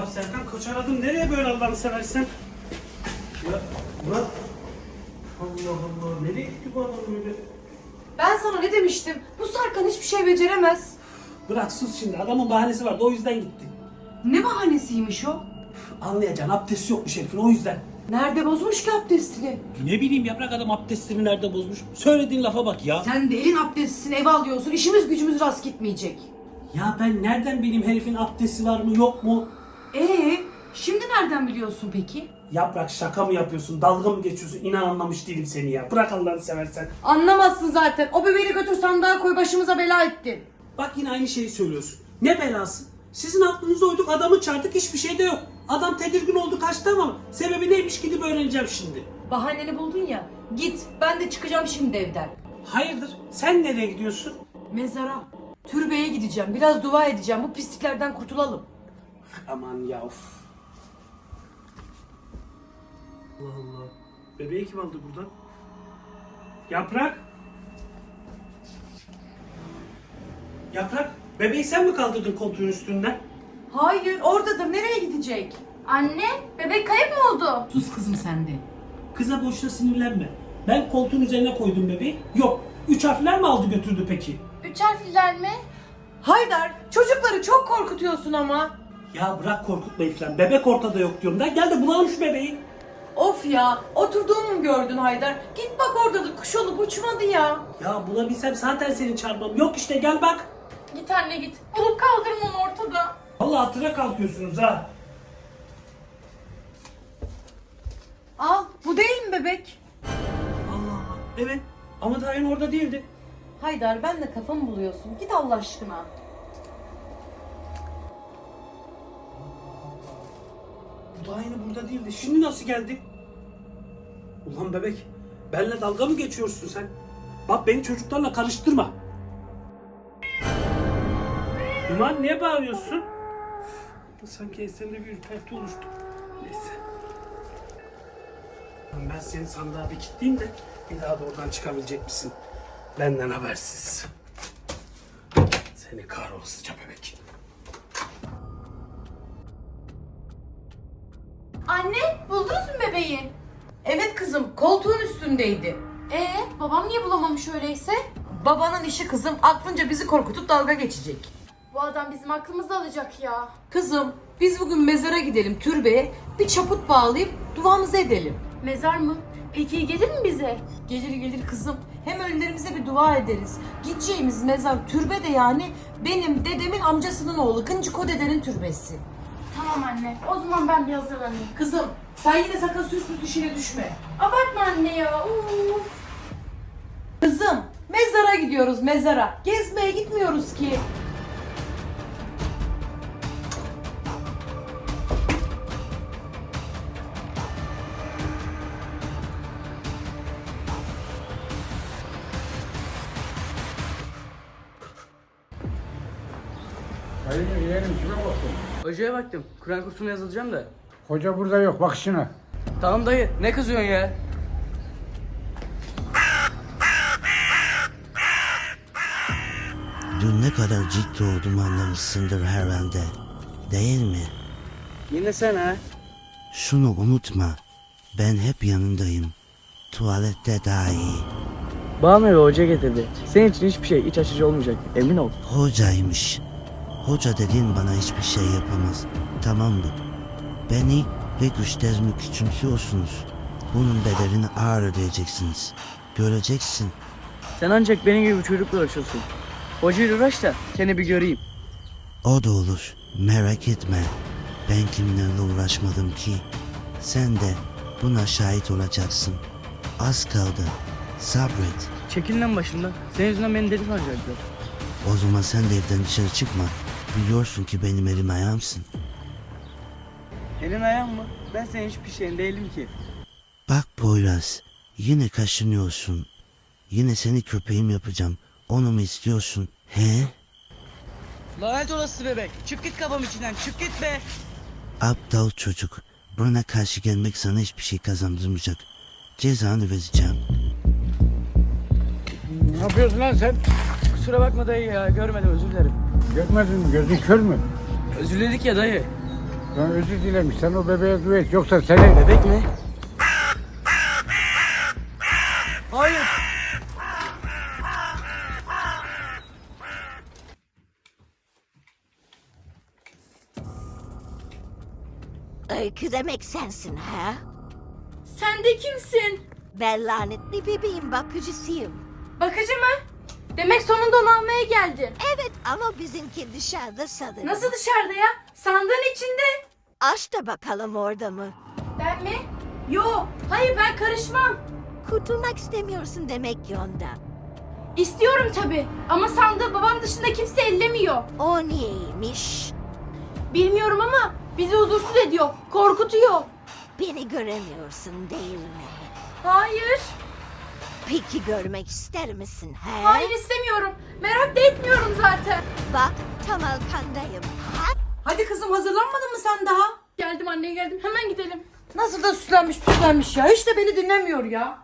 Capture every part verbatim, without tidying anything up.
Ya Serkan koç aradım. Nereye böyle Allah'ını seversen? Ya Murat. Allah Allah. Nereye gitti bu adam böyle? Ben sana ne demiştim? Bu Serkan hiçbir şey beceremez. Bırak sus şimdi. Adamın bahanesi vardı. O yüzden gitti. Ne bahanesiymiş o? Anlayacaksın. Abdesti yokmuş herifin. O yüzden. Nerede bozmuş ki abdestini? Ne bileyim yaprak adam abdestini nerede bozmuş? Söylediğin lafa bak ya. Sen de elin abdestini eve alıyorsun. İşimiz gücümüz rast gitmeyecek. Ya ben nereden bileyim herifin abdesti var mı yok mu? Ee, şimdi nereden biliyorsun peki? Yaprak şaka mı yapıyorsun? Dalga mı geçiyorsun? İnan anlamış değilim seni ya. Bırak Allah'ını seversen. Anlamazsın zaten. O bebeği götür sandığa koy, başımıza bela ettin. Bak yine aynı şeyi söylüyorsun. Ne belası? Sizin aklınıza uyduk, adamı çağırdık, hiçbir şey de yok. Adam tedirgin oldu, kaçtı ama sebebi neymiş gidip öğreneceğim şimdi. Bahaneni buldun ya. Git, ben de çıkacağım şimdi evden. Hayırdır? Sen nereye gidiyorsun? Mezara, türbeye gideceğim. Biraz dua edeceğim. Bu pisliklerden kurtulalım. Aman ya of. Allah Allah. Bebeği kim aldı buradan? Yaprak. Yaprak. Bebeği sen mi kaldırdın koltuğun üstünden? Hayır, oradadır. Nereye gidecek? Anne, bebek kayıp mı oldu? Sus kızım sen de. Kıza boşuna sinirlenme. Ben koltuğun üzerine koydum bebeği. Yok. Üç harfler mi aldı götürdü peki? Üç harfliler mi? Haydar, çocukları çok korkutuyorsun ama. Ya bırak korkutmayı falan. Bebek ortada yok diyorum da. Gel de bulalım şu bebeği. Of ya, oturduğumu mu gördün Haydar? Git bak oradadır, kuş olup uçmadı ya. Ya bulabilsem zaten seni çarpmam. Yok işte gel bak. Git anne git. Bulup kaldırın onu ortada. Vallahi hatıra kalkıyorsunuz ha. Al, bu değil mi bebek? Allah Allah. Evet. Ama daha yeni orada değildi. Haydar, ben de kafamı buluyorsun. Git Allah aşkına. Bu daha yeni burada değildi. Şimdi nasıl geldi? Ulan bebek. Benle dalga mı geçiyorsun sen? Bak beni çocuklarla karıştırma. Ulan niye bağırıyorsun? Sanki eserinde bir ürperti oluştu. Neyse. Ben seni sandığa bir kilitleyeyim de bir daha da oradan çıkabilecek misin? Benden habersiz. Seni kahrolasıca bebek. Anne, buldunuz mu bebeği? Evet kızım, koltuğun üstündeydi. Ee, babam niye bulamamış öyleyse? Babanın işi kızım, aklınca bizi korkutup dalga geçecek. Bu adam bizim aklımızı alacak ya. Kızım, biz bugün mezara gidelim, türbeye. Bir çaput bağlayıp duamızı edelim. Mezar mı? Peki gelir mi bize? Gelir gelir kızım. Hem ölülerimize bir dua ederiz. Gideceğimiz mezar türbe de yani benim dedemin amcasının oğlu Kıncıko dedenin türbesi. Tamam anne. O zaman ben bir hazırlanayım. Kızım, sen yine sakın süs püs işine düşme. Abartma anne ya. Uf. Kızım, mezara gidiyoruz mezara. Gezmeye gitmiyoruz ki. Hayır yeğenim kime baktın? Hocaya baktım. Kur'an kursuna yazılacağım da. Hoca burada yok bak şuna. Tamam dayı. Ne kızıyorsun ya? Dün ne kadar ciddi olduğumu anlamışsındır herhalde. Değil mi? Yine sen ha? Şunu unutma. Ben hep yanındayım. Tuvalette dahi. Bana eve hoca getirdi. Senin için hiçbir şey iç açıcı olmayacak. Emin ol. Hocaymış. Hoca dediğin bana hiçbir şey yapamaz. Tamam mı? Beni ve güçlerimi küçümsüyorsunuz. Bunun bedelini ağır ödeyeceksiniz. Göreceksin. Sen ancak benim gibi bir çocukla uğraşıyorsun. Hocayla uğraş da seni bir göreyim. O da olur. Merak etme. Ben kimlerle uğraşmadım ki. Sen de buna şahit olacaksın. Az kaldı. Sabret. Çekil lan başımdan. Senin yüzünden beni deli sanacaklar. O zaman sen de evden dışarı çıkma. Biliyorsun ki benim elim ayağımsın. Elin ayağın mı? Ben senin hiçbir şeyin değilim ki. Bak Poyraz. Yine kaşınıyorsun. Yine seni köpeğim yapacağım. Onu mu istiyorsun? He? Lanet olası bebek. Çık git kafam içinden. Çık git be. Aptal çocuk. Bana karşı gelmek sana hiçbir şey kazandırmayacak. Cezanı vereceğim. Ne yapıyorsun lan sen? Kusura bakma dayı ya. Görmedim, özür dilerim. Görmedin mi? Gözün kör mü? Özür diledik ya dayı. Ben özür dilemiş. Sen o bebeğe dua et. Yoksa seni... Bebek mi? Hayır. Öykü demek sensin ha? Sen de kimsin? Ben lanetli bebeğin bakıcısıyım. Bakıcı mı? Demek sonunda onu almaya geldin. Evet ama bizimki dışarıda sanırım. Nasıl dışarıda ya? Sandığın içinde. Aç da bakalım orada mı? Ben mi? Yo, hayır ben karışmam. Kurtulmak istemiyorsun demek ki ondan. İstiyorum tabii ama sandığı babam dışında kimse ellemiyor. O niyeymiş? Bilmiyorum ama bizi huzursuz ediyor, korkutuyor. Beni göremiyorsun değil mi? Hayır, Peki görmek ister misin he? hayır istemiyorum. Merak da etmiyorum zaten. Bak tam arkandayım. Ha? Hadi kızım, hazırlanmadın mı sen daha? Geldim anne geldim. Hemen gidelim. Nasıl da süslenmiş püslenmiş ya. Hiç de beni dinlemiyor ya.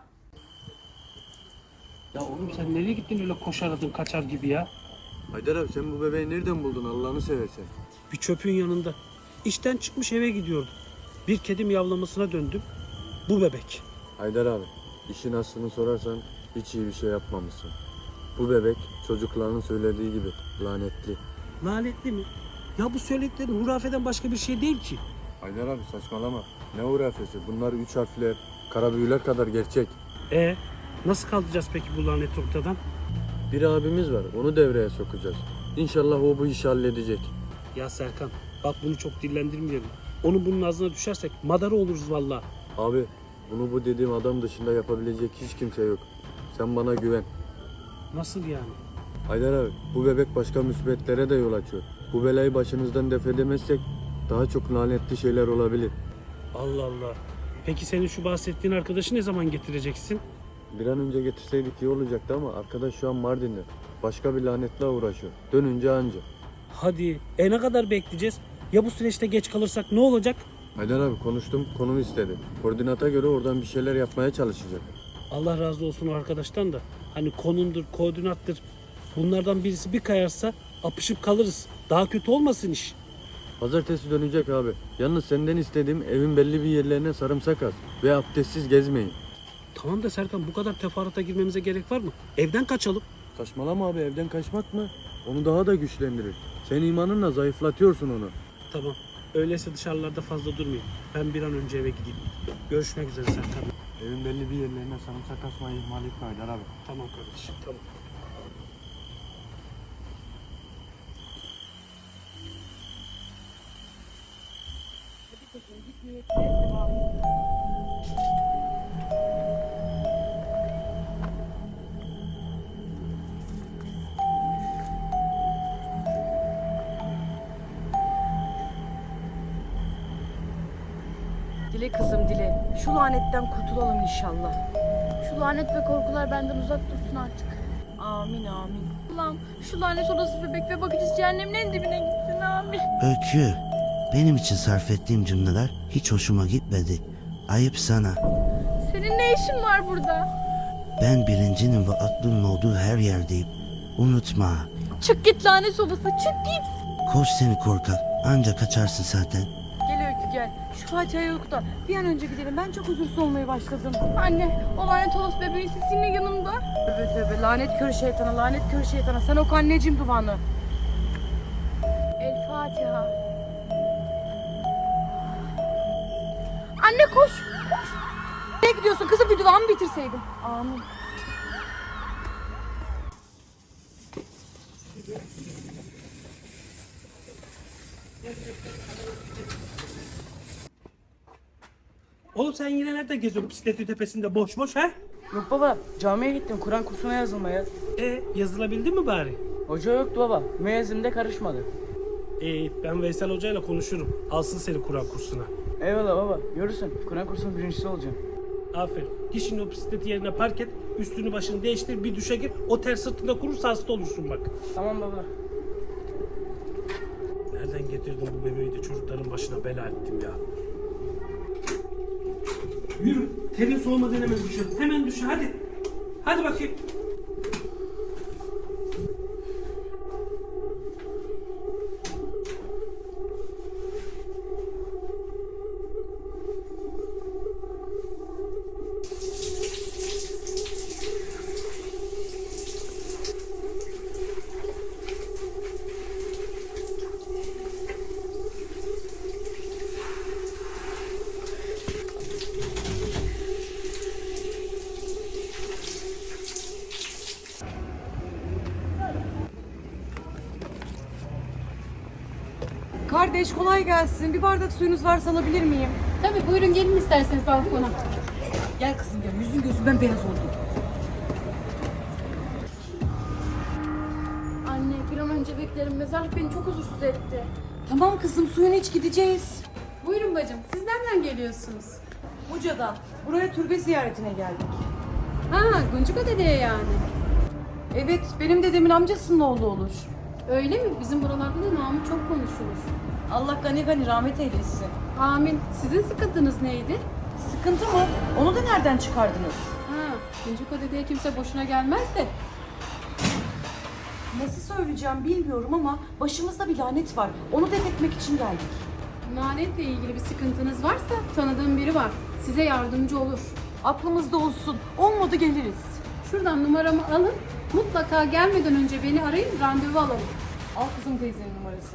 Ya oğlum sen nereye gittin öyle koşaradın kaçar gibi ya? Haydar abi sen bu bebeği nereden buldun Allah'ını seversen? Bir çöpün yanında. İşten çıkmış eve gidiyordum. Bir kedi miyavlamasına döndüm. Bu bebek. Haydar abi işin aslını sorarsan hiç iyi bir şey yapmamışsın. Bu bebek çocukların söylediği gibi lanetli. Lanetli mi? Ya bu söylediklerin hurafeden başka bir şey değil ki. Haydar abi saçmalama. Ne hurafesi bunlar üç harfler, kara büyüler kadar gerçek. E nasıl kaldıracağız peki bu lanet ortadan? Bir abimiz var onu devreye sokacağız. İnşallah o bu işi halledecek. Ya Serkan bak bunu çok dillendirmeyelim. Onu bunun ağzına düşersek madara oluruz vallahi. Abi bunu bu dediğim adam dışında yapabilecek hiç kimse yok. Sen bana güven. Nasıl yani? Haydar abi bu bebek başka musibetlere de yol açıyor. Bu belayı başınızdan def edemezsek daha çok lanetli şeyler olabilir. Allah Allah. Peki senin şu bahsettiğin arkadaşı ne zaman getireceksin? Bir an önce getirseydik iyi olacaktı ama arkadaş şu an Mardin'de. Başka bir lanetle uğraşıyor. Dönünce anca. Hadi e ne kadar bekleyeceğiz? Ya bu süreçte geç kalırsak ne olacak? Haydar abi konuştum, konumu istedi. Koordinata göre oradan bir şeyler yapmaya çalışacak. Allah razı olsun o arkadaştan da. Hani konumdur, koordinattır. Bunlardan birisi bir kayarsa apışıp kalırız. Daha kötü olmasın iş. Pazartesi dönecek abi. Yalnız senden istediğim evin belli bir yerlerine sarımsak az ve abdestsiz gezmeyin. Tamam da Serkan bu kadar teferruata girmemize gerek var mı? Evden kaçalım. Saçmalama abi evden kaçmak mı? Onu daha da güçlendirir. Sen imanınla zayıflatıyorsun onu. Tamam. Öyleyse dışarılarda fazla durmayın. Ben bir an önce eve gideyim. Görüşmek üzere Serkan. Evin belli bir yerlerine sarımsak asmayı ihmal etme Haydar abi. Tamam kardeşim tamam. Dile kızım dile. Şu lanetten kurtulalım inşallah. Şu lanet ve korkular benden uzak dursun artık. Amin amin. Ulan şu lanet odası bebek ve bakıcısı cehennemin en dibine gitsin amin. Öykü, benim için sarf ettiğim cümleler hiç hoşuma gitmedi. Ayıp sana. Senin ne işin var burada? Ben bilincinin ve aklının olduğu her yerdeyim. Unutma. Çık git lanet odası çık git. Koş seni korkak. Anca kaçarsın zaten. Gel Öykü gel. Şu Fatiha'yı oku da bir an önce gidelim. Ben çok huzursuz olmaya başladım. Anne o lanet odası bebeğin sesi yine yanımda. Tövbe tövbe, lanet körü şeytana, lanet körü şeytana. Sen oku anneciğim duanı. El Fatiha. Anne koş. Nereye gidiyorsun kızım, bir duamı bitirseydim. Amin. Oğlum sen yine nerede geziyorsun bisikletin tepesinde boş boş ha? Yok baba, camiye gittim Kur'an kursuna yazılmaya. E yazılabildin mi bari? Hoca yoktu baba, müezzin de karışmadı. E ben Veysel Hoca ile konuşurum. Alsın seni Kur'an kursuna. Eyvallah baba, görürsün. Kur'an kursunun birincisi olacağım. Aferin. Git şimdi o bisikleti yerine park et. Üstünü başını değiştir. Bir duşa gir. O ter sırtında kurursa hasta olursun bak. Tamam baba. Nereden getirdin bu bebeği de çocukların başına bela ettim ya. Yürü. Terin soğumadan hemen duşa. Hemen duşa hadi. Hadi bakayım. Kardeş kolay gelsin. Bir bardak suyunuz varsa alabilir miyim? Tabii buyurun gelin isterseniz balkona. Gel kızım gel. Yüzün gözün bembeyaz oldu. Anne bir an önce beklerim. Mezarlık beni çok huzursuz etti. Tamam kızım suyunu iç gideceğiz. Buyurun bacım. Siz nereden geliyorsunuz? Buca'dan. Buraya türbe ziyaretine geldik. Ha Guncuka dedeye yani. Evet benim dedemin amcasının oğlu olur. Öyle mi? Bizim buralarda da namı çok konuşulur. Allah gani gani rahmet eylesin. Amin. Sizin sıkıntınız neydi? Sıkıntı mı? Onu da nereden çıkardınız? Ha Guncuka dedeye kimse boşuna gelmez de. Nasıl söyleyeceğim bilmiyorum ama başımızda bir lanet var. Onu def etmek için geldik. Lanetle ilgili bir sıkıntınız varsa tanıdığım biri var. Size yardımcı olur. Aklımızda olsun. Olmadı geliriz. Şuradan numaramı alın. Mutlaka gelmeden önce beni arayın, randevu alalım. Al kızım teyzenin numarasını.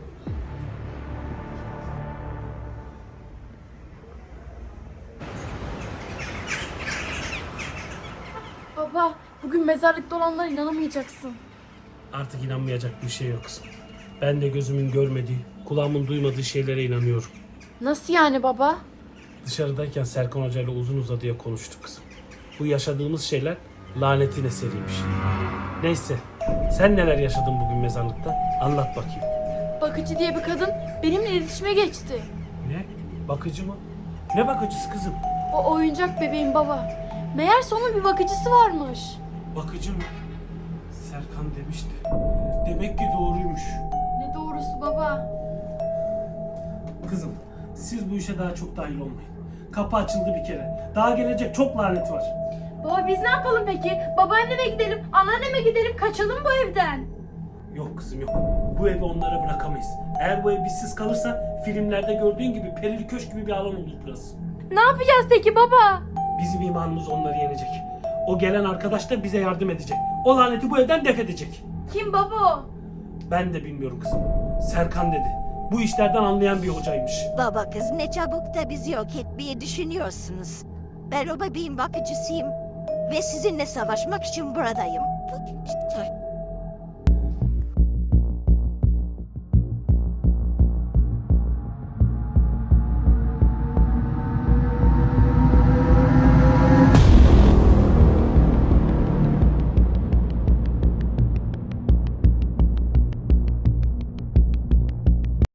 Baba, bugün mezarlıkta olanlara inanamayacaksın. Artık inanmayacak bir şey yok kızım. Ben de gözümün görmediği, kulağımın duymadığı şeylere inanıyorum. Nasıl yani baba? Dışarıdayken Serkan Hoca ile uzun uzadıya konuştuk kızım. Bu yaşadığımız şeyler lanetin eseriymiş. Neyse, sen neler yaşadın bugün mezarlıkta? Anlat bakayım. Bakıcı diye bir kadın benimle iletişime geçti. Ne? Bakıcı mı? Ne bakıcısı kızım? O oyuncak bebeğin baba. Meğerse onun bir bakıcısı varmış. Bakıcı mı? Serkan demişti. Demek ki doğruymuş. Ne doğrusu baba? Kızım, siz bu işe daha çok dahil olmayın. Kapı açıldı bir kere. Daha gelecek çok lanet var. Baba biz ne yapalım peki? Babaanneme gidelim, anneanneme gidelim, kaçalım bu evden. Yok kızım yok. Bu evi onlara bırakamayız. Eğer bu ev bizsiz kalırsa filmlerde gördüğün gibi perili köşk gibi bir alan olur burası. Ne yapacağız peki baba? Bizim imanımız onları yenecek. O gelen arkadaş da bize yardım edecek. O laneti bu evden def edecek. Kim baba o? Ben de bilmiyorum kızım. Serkan dedi. Bu işlerden anlayan bir hocaymış. Baba kız ne çabuk da bizi yok etmeyi düşünüyorsunuz. Ben o bebeğin bakıcısıyım. Ve sizinle savaşmak için buradayım.